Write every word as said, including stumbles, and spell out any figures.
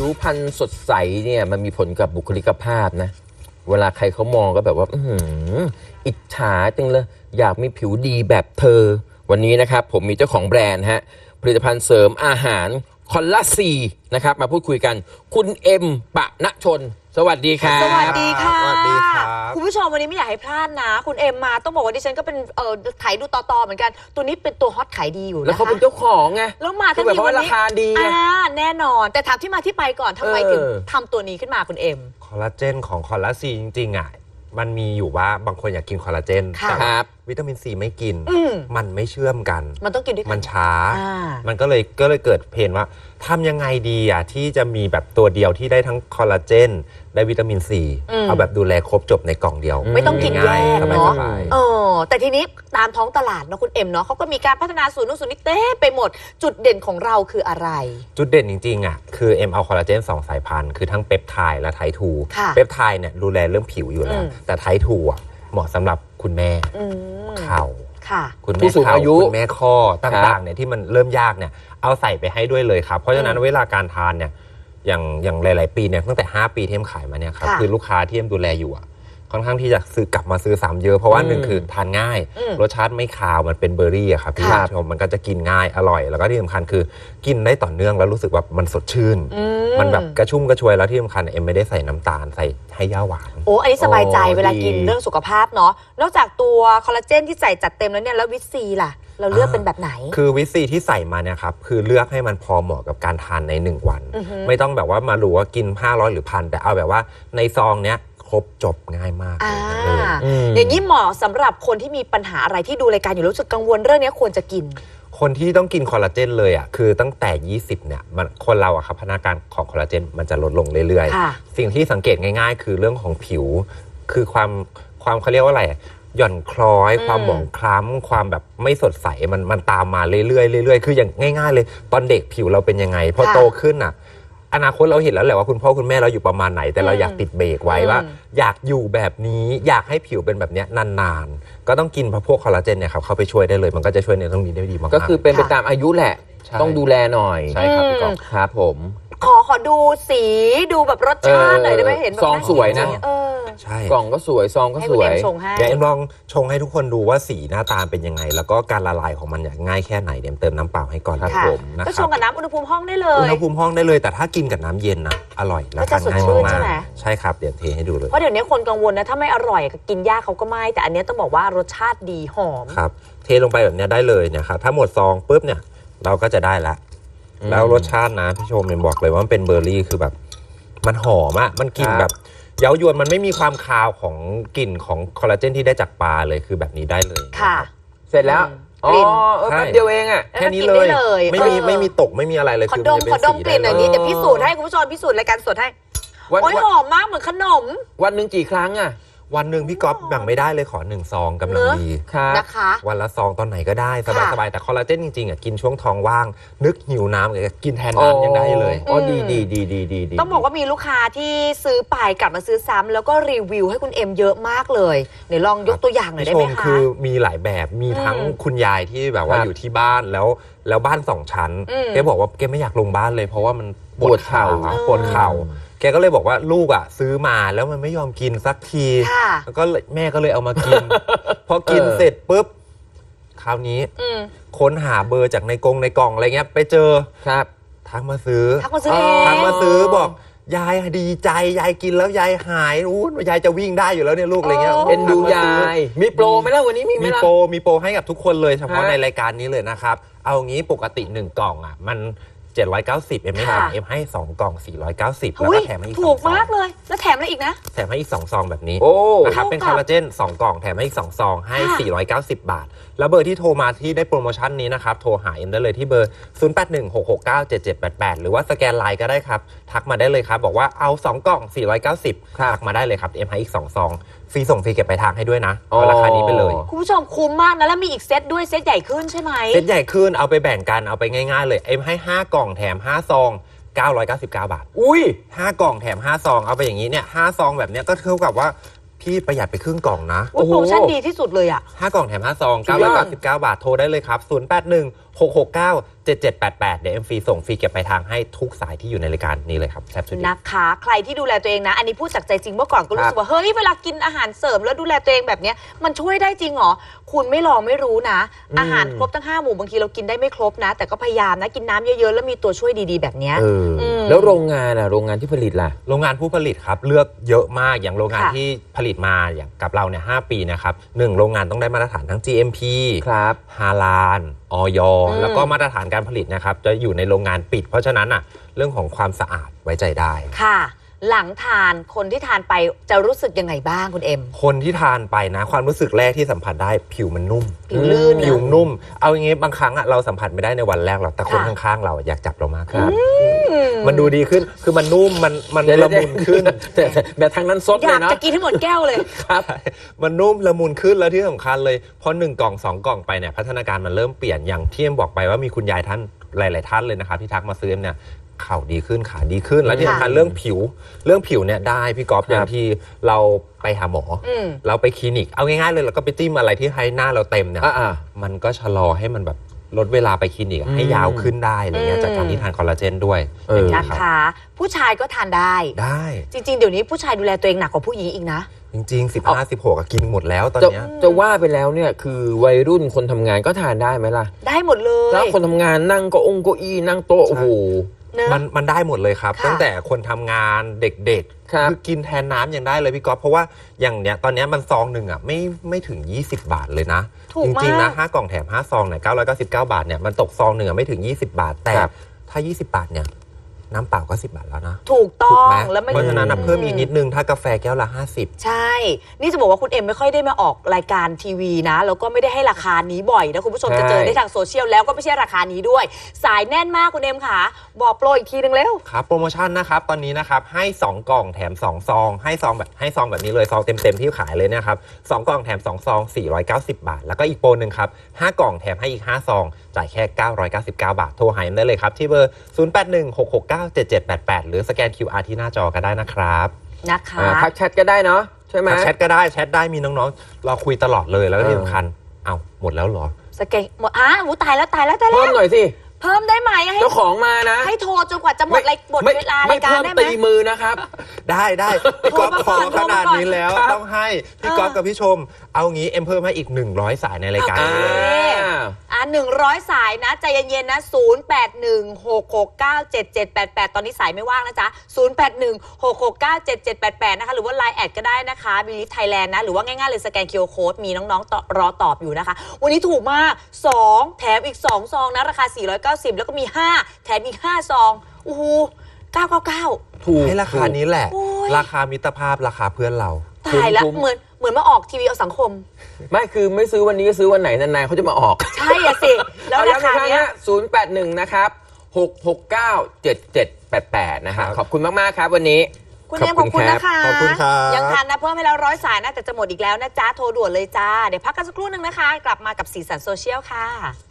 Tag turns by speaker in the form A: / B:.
A: วพรรณสดใสเนี่ยมันมีผลกับบุคลิกภาพนะเวลาใครเขามองก็แบบว่า อื้อหืออิจฉาจังเลยอยากมีผิวดีแบบเธอวันนี้นะครับผมมีเจ้าของแบรนด์ฮะผลิตภัณฑ์เสริมอาหารคอลลาซีนะครับมาพูดคุยกันคุณเอ็มปณชนสวัสดีครับ
B: สวัสดีค่ะ
C: สวัสดีครับ
B: คุณผู้ชมวันนี้ไม่อยากให้พลาดนะ คุณเอ็มมาต้องบอกว่าดิฉันก็เป็นเอ่อถ่ายดูต่อๆเหมือนกันตัวนี้เป็นตัวฮอตขายดีอยู่นะคะ
A: แล้วเขาเป็นเจ้าของไง
B: แล้วมาทั้ง
A: แบบ
B: ที
A: ว่า
B: วัน
A: รา
B: นี้
A: คาดีไง
B: อ่าแน่นอนแต่ถามที่มาที่ไปก่อนทำไม
A: เออ
B: ถึงทำตัวนี้ขึ้นมาคุณเอ็ม
C: คอลลาเจนของคอลลาซีจริงๆอ่ะมันมีอยู่ว่าบางคนอยากกินคอลลาเจน
B: ค่ะ
C: แต่
A: ค
C: ว่า
A: รับ
C: วิตามินซีไม่กิน
B: อืม
C: มันไม่เชื่อมกัน
B: มันต้องกินด้วยกั
C: มัน นช้า
B: อ่า
C: มันก็เลยก็เลยเกิดเพนว่าทำยังไงดีอ่ะที่จะมีแบบตัวเดียวที่ได้ทั้งคอลลาเจนได้วิตามินซีเอาแบบดูแลครบจบในกล่องเดียว
B: ไม่ต้องกินแย
C: ง่าย
B: ก
C: ๆส
B: เนาะ
C: บาย
B: เออแต่ทีนี้ตามท้องตลาดเนาะคุณเอ็มเนาะเขาก็มีการพัฒนาสูตรนู้นสูตรนี้เต้ไปหมดจุดเด่นของเราคืออะไร
C: ๆจุดเด่นจริงๆอ่ะคือเอ็มเอาคอลลาเจนสองสายพันธุ์คือทั้งเปปไทด์และไททู
B: ค่ะ
C: เปปไทด์เนี่ยดูแลเรื่องผิวอยู่แล้ว
B: อืม
C: แต่ไททูอ่ะเหมาะสำหรับคุณแม่
B: อืม
C: เข่า
B: ค่ะ
C: คุณ
A: ผู้
C: แม่
A: สูง
C: เข่า
A: อายุ
C: คุณแม่ข้อต่างๆเนี่ยที่มันเริ่มยากเนี่ยเอาใส่ไปให้ด้วยเลยครับเพราะฉะนั้นเวลาการทานเนี่ยอย่างอย่างหลายๆปีเนี่ยตั้งแต่ห้าปีที่เอ็มขายมาเนี่ยครับ
B: ค่ะ
C: คือลูกค้าที่เอ็มดูแลอยู่อะค่อนข้างที่จะซื้อกลับมาซื้อซ้ำเยอะเพราะว่า
A: อืม
C: หนึ่งคือทานง่าย
B: อืม
C: รสชาติไม่คาวมันเป็นเบอร์รี่อะครับพี่
B: ค่ะ
C: ผู้ชมมันก็จะกินง่ายอร่อย แล้วก็ที่สำคัญคือกินได้ต่อเนื่องแล้วรู้สึกว่ามันสดชื่น
B: อื
C: มันแบบกระชุ่มกระชวยแล้วที่สำคัญเอ็มไม่ได้ใส่น้ำตาลใส่ให้ย่าหวาน
B: โอ้อันนี้สบายใจ
A: โอ้
B: เวลากิน
A: ดี
B: เรื่องสุขภาพเนาะนอกจากตัวคอลลาเจนที่ใส่จัดเต็มแล้วเนี่ยแล้ววิตซีล่ะ เราเลือกเป็นแบบไหน
C: คือวิตซีที่ใส่มาเนี่ยครับคือเลือกให้มันพอเหมาะกับการทานในหนึ่งวัน
B: อือฮึ
C: ไม่ต้องแบบว่ามารู้ว่ากินห้าร้อยหรือพันแต่เอาแบบว่าในซองเนี้ยครบจบง่ายมาก
B: อ่า
C: เลย
A: อืม
B: อย่างนี้เหมาะสำหรับคนที่มีปัญหาอะไรที่ดูรายการอยู่รู้สึกกังวลเรื่องนี้ควรจะกิน
C: คนที่ต้องกินคอลลาเจนเลยอ่ะคือตั้งแต่ยี่สิบเนี่ยมันคนเราอะครับพัฒนาการของคอลลาเจนมันจะลดลงเรื่อย
B: ค่ะ
C: ๆ สิ่งที่สังเกตง่ายๆ คือเรื่องของผิว คือความความเขาเรียกว่าอะไรหย่อนคล้อย
B: อืม
C: ความหมองคล้ำความแบบไม่สดใสมันมันตามมาเรื่อยๆเรื่อยๆคืออย่างง่ายๆเลยตอนเด็กผิวเราเป็นยังไงพอโตขึ้นอ่ะอนาคตเราเห็นแล้วแหละว่าคุณพ่อคุณแม่เราอยู่ประมาณไหน แต่เราอยากติดเบรกไว้ว่า อยากอยู่แบบนี้อยากให้ผิวเป็นแบบเนี้ยนานๆก็ต้องกินพวกคอลลาเจนเนี่ยครับเข้าไปช่วยได้เลยมันก็จะช่วยในเรื่องนี้ได้ดีมากๆ
A: ก็คือเป็นไปตามอายุแหละ
C: ใช่
A: ต้องดูแลหน่อย
C: ใช่ครับพี่กอล์ฟ
A: ครับผม
B: ขอขอดูสีดูแบบรสชาติหน่อยได้ไหมเห็นแบบ
A: ซองสวยนะ
B: เออ
C: ใช่
A: กล่องก็สวยซองก็
B: ให้
A: ส
B: คุณ
A: ว
B: เอ็
A: ย
B: มชงให้
C: เดี๋ยวเอ็มลองชงให้ทุกคนดูว่าสีหน้าตาเป็นยังไง แล้วก็การละลายของมันเนี่ยง่ายแค่ไหนเดี๋ยวเติมน้ำเปล่าให้ก่อน
A: ครับ
B: ค่ะ
A: ผม
C: นะ
B: ก็
C: ค
B: ช
C: รั
B: ง
C: บ
B: กับน้ำอุณหภูมิห้องได้เล
C: อุ
B: ย
C: ณหภูมิห้องได้เลยแต่ถ้ากินกับน้ำเย็นนะอร่อยและ
B: ก็จะ
C: ทานง่าย
B: สดชื่น
C: มา
B: ใช่
C: ก
B: ไหม
C: ๆใช่ครับเดี๋ยวเทให้ดูเลย
B: เพราะเดี๋ยวนี้คนกังวลนะถ้าไม่อร่อยก็กินยากเขาก็ไม่แต่อันเนี้ยต้องบอกว่ารสชาติดีหอม
C: ครับเทลงไปแบบเนี้ยได้เลยเนี่ยครับถ้าหมดซองปุ๊บเนี่ยเราก็จะได้ละ
A: อืม
C: แล้วรสชาตินะพี่ชมเอ็มบอกเลยว่ามันเป็นเบอร์รี่คือแบบมันหอมอะมันกลิ่น
A: ครับ
C: แบบเย้ายวนมันไม่มีความคาวของกลิ่นของคอลลาเจนที่ได้จากปลาเลยคือแบบนี้ได้เลย
B: ค่ะ
A: เสร็จแล้ว
B: กลิ่น
A: อ๋อเออ
C: ใช่
A: แป๊บเดียวเองอ่ะ
C: แค่นี้
B: กิ
C: เล
B: ได้
C: ย
B: เลย
C: ไม่มี
B: เออ
C: ไม่มีตกไม่มีอะไรเลย
B: ขอ
C: คือ
B: ดม
C: นจะ
B: ขอดมกลิ่นอย่างนี้
A: ได้เลย
B: เดี๋ยวพิสูจน์ให้คุณผู้ชมพิสูจน์รายการสดให้
A: วัน
B: โอ้ย
A: วัน
B: หอมมากเหมือนขนม
A: วันหนึ่งกี่ครั้งอ่ะ
C: วันหนึ่งพี่ก๊อฟแบ่งไม่ได้เลยขอหนึ่งซองกำลัง
B: เนอะ
C: ดี
A: ครับ
B: นะคะ
C: วันละซองตอนไหนก็ได้สบาย
B: ค่ะ
C: สบายแต่คอลลาเจนจริงๆอ่ะกินช่วงท้องว่าง นึกหิวน้ำก็กินแทนน้ำยังได้เลย
A: อ๋อ
B: อืม
A: ดีดีดีดีดีดี
B: ต้องบอกว่ามีลูกค้าที่ซื้อไปกลับมาซื้อซ้ำแล้วก็รีวิวให้คุณเอ็มเยอะมากเลยเดี๋ยวลองยกตัวอย่างหน่อยได้
C: ช
B: ไหม
C: ม
B: คะ
C: คือมีหลายแบบมีทั้ง
B: อืม
C: คุณยายที่แบบว่า
A: ครับ
C: อยู่ที่บ้านแล้วแล้วบ้านสองชั้น
B: อืม
C: แกบอกว่าแกไม่อยากลงบ้านเลยเพราะว่ามันป
A: ป
C: ว
A: ว
C: ด
A: ด
C: เข่า
A: เข่า
C: ปวดเข่าแกก็เลยบอกว่าลูกอ่ะซื้อมาแล้วมันไม่ยอมกินสักที
B: ค่ะ
C: แล้วก็เลยแม่ก็เลยเอามากิน พอกิน
A: เออ
C: เสร็จปุ๊บคราวนี้
B: อืม
C: ค้นหาเบอร์จากในกรงในกล่องอะไรเงี้ยไปเจอ
A: ครับ
C: ทักมาซื้อ
B: ทักมาซื้อเอง
C: ทักมาซื้อบอกยายดีใจยายกินแล้วยายหายอู้ยายจะวิ่งได้อยู่แล้วเนี่ยลูกอะไรเงี้ย
A: เอ็นดู
C: ทักมซื้
A: ยาย มีโปรไหมล่ะวันนี้มีไหม
C: มี
A: ล่ะ
C: โปรมีโปรให้กับทุกคนเลยเฉพาะ
A: ฮะ
C: ในรายการนี้เลยนะครับ เอางี้ปกติหนึ่งกล่องอ่ะมันเจ็ดร้อยเก้าสิบเอ็มไม่
B: ค่ะ
C: ขายเอ็มให้สองกล่องสี่ร้อยเก้าสิบแล้ว
B: อุ้
C: ก็
B: ย
C: แถมให้อีก
B: ถูก
C: สองซอง
B: มากเลย แล้วแถมอะไรอีกนะ
C: แถมให้อีกสองซองแบบนี้
A: โอ้
C: นะครับเป็น
B: เท่ากับ
C: คอลลาเจนสองกล่องแถมให้อีกสองซองให้
B: ค่ะ
C: สี่ร้อยเก้าสิบ บาท แล้วเบอร์ที่โทรมาที่ได้โปรโมชั่นนี้นะครับโทรหาเอ็มได้เลยที่เบอร์ศูนย์ แปด หนึ่ง หก หก เก้า เจ็ด เจ็ด แปด แปดหรือว่าสแกนไลน์ก็ได้ครับทักมาได้เลยครับบอกว่าเอาสองกล่องสี่ร้อยเก้าสิบ
A: ครับ
C: ทักมาได้เลยครับเอ็มให้อีกสองซองฟรีส่งฟรีเก็บปลายทางให้ด้วยนะ
A: อ๋อ
C: เอาราคานี้ไปเลย
B: คุณผู้ชมคุ้มมากนะแล้วมีอีกเซตด้วยเซตใหญ่ขึ้นใช่ไหม
C: เซตใหญ่ขึ้นเอาไปแบ่งกันเอาไปง่ายๆเลยเอ็มให้ห้ากล่องแถมห้าซองเก้าร้อยเก้าสิบเก้า บาท
A: อุ้ย
C: ห้ากล่องแถมห้าซองเอาไปอย่างนี้เนี่ยห้าซองแบบเนี้ยก็เท่ากับว่าพี่ประหยัดไปครึ่งกล่องนะ
B: โอ้โหโปรโมชั่นดีที่สุดเลยอ่ะ
C: ห้ากล่องแถมห้าซอง
A: สุดยอด
C: เก้าร้อยเก้าสิบเก้า บาทโทรได้เลยครับศูนย์ แปด หนึ่งหก หก เก้า เจ็ด เจ็ด แปด แปดเดี๋ยวเอ็มฟรีส่งฟรีเก็บปลายทางให้ทุกสายที่อยู่ในรายการนี้เลยครับแซ่บสุด
B: นะคะใครที่ดูแลตัวเองนะ อันนี้พูดจากใจจริงเมื่อก่อนก็รู้สึกว่าเฮ้ยเวลากินอาหารเสริมแล้วดูแลตัวเองแบบเนี้ยมันช่วยได้จริงเหรอคุณไม่ลองไม่รู้นะ อาหารครบทั้งห้าหมู่บางทีเรากินได้ไม่ครบนะ แต่ก็พยายามนะกินน้ำเยอะๆแล้วมีตัวช่วยดีๆแบบเนี้ย
A: เอออ
B: ม
A: แล้วโรงงานอ่ะโรงงานที่ผลิตล่ะ
C: โรงงานผู้ผลิตครับเลือกเยอะมากอย่างโรงงาน
B: ค่ะ
C: ที่ผลิตมาอย่างกับเราเนี่ยห้าปีนะครับหนึ่งโรงงานต้องได้มาตรฐานทั้ง จี เอ็ม พี
A: ครับ
C: ฮาลาลออย
B: อืม
C: แล้วก็มาตรฐานการผลิตนะครับจะอยู่ในโรงงานปิด เพราะฉะนั้นอ่ะเรื่องของความสะอาดไว้ใจได้
B: ค่ะ หลังทานคนที่ทานไปจะรู้สึกยังไงบ้างคุณเอ็ม
C: คนที่ทานไปนะความรู้สึกแรกที่สัมผัสได้ผิวมันนุ่ม
B: ผิวลื่น
C: ผิว
B: นะ
C: นุ่ม เอาอย่างงี้บางครั้งอ่ะเราสัมผัสไม่ได้ในวันแรกหรอกแต่คน
B: ค่ะ
C: ข้างๆเราอยากจับเรามากขึ้น
A: ครับ
C: มันดูดีขึ้นคือมันนุ่มมันมัน
A: เดี๋ยว
C: ละมุนขึ้น
A: แต่แต่ทางนั้นซด
B: อ
A: เลย
B: ยาก
A: เนาะ
B: จะกินให้หมดแก้วเลย
A: ครับ
C: มันนุ่มละมุนขึ้นแล้วที่สำคัญเลยพอหนึ่งกล่องสองกล่องไปเนี่ยพัฒนาการมันเริ่มเปลี่ยนอย่างที่เอ็มบอกไปว่ามีคุณยายท่านหลาย ๆ ท่านเลยนะครับที่ทักมาซื้อเนี่ยเข่าดีขึ้นขาดีขึ้นแล้วที่สำคัญเรื่องผิวเรื่องผิวเนี่ยได้พี่ก๊อฟอย่างที่เราไปหาหมออ
B: อืม
C: เราไปคลินิกเอาง่าย ๆ เลยเราก็ไปจิ้มอะไรที่ให้หน้าเราเต็มเนี่ย
A: อ่า
C: มันก็ชะลอให้มันแบบลดเวลาไปคลินิกอะ
A: อืม
C: ให้ยาวขึ้นได้อะไรเงี้ย
B: อืม
C: จากการที่ทานคอลลาเจนด้วย
A: เออ
C: ย่าง
B: นะ
C: เงี้ยรับ
B: คะ ผู้ชายก็ทานได้
C: ได้
B: จริง ๆ เดี๋ยวนี้ผู้ชายดูแลตัวเองหนักกว่าผู้หญิงอีกนะ
C: จริงๆสิบห้า สิบหกกินหมดแล้วตอน
A: จะ
C: เนี้ย
A: จะว่าไปแล้วเนี่ยคือวัยรุ่นคนทำงานก็ทานได้ไหมล่ะ
B: ได้หมดเล
A: แล้ว
B: ย
A: คนทำงานนั่งเก็องเก็อี้นั่งโต๊ะโอ้โห
B: เนอะ
C: มันมันได้หมดเลยครับ
B: ค่ะ
C: ตั้งแต่คนทำงานเด็ก
A: ครับ
C: ๆอกินแทนน้ำยังได้เลยพี่ก๊อฟเพราะว่าอย่างเนี้ยตอนเนี้ยมันซองหนึ่งอ่ะไม่ไม่ถึง ยี่สิบบาทเลยนะ
B: ถูก
C: จ
B: มาก
C: ริงๆนะห้ากล่องแถมห้าซองเนี่ยเก้าร้อยเก้าสิบเก้าบาทเนี่ยมันตกซองหนึ่งอ่ะไม่ถึงยี่สิบบาท แต่
A: ครับ
C: ถ้ายี่สิบบาทเนี่ยน้ำเปล่าก็สิบบาทแล้วนะ
B: ถูกต้
C: ถู
B: อก
C: ไหม
B: งแล้วไม่
C: เพราะฉะนั้นอะเพิ่มอีกนิดนึงถ้ากาแฟแก้วละห้าสิบ
B: ใช่ นี่จะบอกว่าคุณเอ็มไม่ค่อยได้มาออกรายการทีวีนะ แล้วก็ไม่ได้ให้ราคานี้บ่อยนะคุณผู้ชม
A: ใช่
B: จะเจอได้ทางโซเชียลแล้วก็ไม่ใช่ราคานี้ด้วย สายแน่นมากคุณเอ็มค่ะ บอกโปรอีกทีนึงเร็ว
C: ครับโปรโมชั่นนะครับตอนนี้นะครับให้สองกล่องแถมสองซองให้ซองแบบให้ซองแบบนี้เลยซองเต็มๆที่ขายเลยเนะครับสองกล่องแถมสองซองสี่ร้อยเก้าสิบบาทแล้วก็อีกโปรหนึ่งครับห้ากล่องแถมให้อีกห้าซองจ่ายแค่เก้าร้อยเก้าสิบเก้าบาทโทรหาเอ็มได้เลยครับที่เบอร์ศูนย์ แปด หนึ่ง หก หก เก้า เจ็ด เจ็ด แปด แปดหรือสแกน คิว อาร์ ที่หน้าจอก็ได้นะครับ
B: นะคะ
A: อ่าทักแชทก็ได้เนาะใช่ไหม
C: ทักแชทก็ได้แชทได้มีน้องๆเราคุยตลอดเลยแล้วก็ที่
A: เออ
C: สำคัญเอ้าหมดแล้วเหรอ
B: สเกตหมดอ่ะหูตายแล้วตายแล้วตายแล้
A: เพิ่ม
B: ว
A: หน่อยสิ
B: เพิ่มได้ไหมให้
A: เจ้าของมานะ
B: ให้โทรจนกว่าจะหมดรายหมด
A: ไม่
B: เวลา
A: ไม่
B: รายการ
A: เพิ่ม
B: ได้ไหม
A: ตีมือนะครับ
C: ได้ได้พี่ก๊อฟ
B: โทร
C: ข
B: มา
C: อ
B: ก่อน
C: ขนาด
B: โทรมาก่อน
C: นี้แล้ว
A: ครับ
C: ต้องให้พี่ก๊อฟกับพี่ชม เอางี้เอ็มเพิ่มให้อีกหนึ่งร้อยสายในรายการ
A: อ่า
C: นี้เลย
B: อ่าหนึ่งร้อยสายนะใจเย็นๆนะศูนย์แปดหนึ่งหกหกเก้าเจ็ดเจ็ดแปดแปดตอนนี้สายไม่ว่างนะจ๊ะศูนย์แปดหนึ่งหกหกเก้าเจ็ดเจ็ดแปดแปดนะคะหรือว่า ไลน์ แอดก็ได้นะคะบิลิทไทยแลนด์นะหรือว่าง่ายๆเลยสแกน คิว อาร์ Code มีน้องๆต่อรอตอบอยู่นะคะ วันนี้ถูกมากสองแถมอีกสองซองนะราคาสี่ร้อยเก้าสิบแล้วก็มีห้าแถมอีกห้าซองโอ้โหเก้าเก้าเก้า
A: ถูก
C: ให้ราคานี้แหละ
B: โอ้ย
C: ราคามิตรภาพราคาเพื่อนเรา
B: ตายแล้ว
A: คุ้มๆ
B: เหมือนเหมือนมาออกทีวีเอาสังคม
A: ไม่คือไม่ซื้อวันนี้ก็ซื้อวันไหนนานๆเขาจะมาออก
B: ใช่อะสิ แล้ว
A: เอา
B: รา
A: ย้ำอี
B: คาก
A: ครั้ง
B: เนี้ย
A: นะศูนย์แปดหนึ่งนะครับหกหกเก้าเจ็ดเจ็ดแปดแปดนะฮะ
C: ครับ
A: ขอบคุณมาก ๆ ครับวันนี้
B: คุณเอ็มขอบคุณนะคะ
C: ขอบคุณครับ
B: ยังทันนะเพิ่มให้แล้วร้อยสายนะแต่จะหมดอีกแล้วนะจ๊ะโทรด่วนเลยจ้าเดี๋ยวพักกันสักครู่หนึ่งนะคะ กลับมากับสีสันโซเชียลค่ะ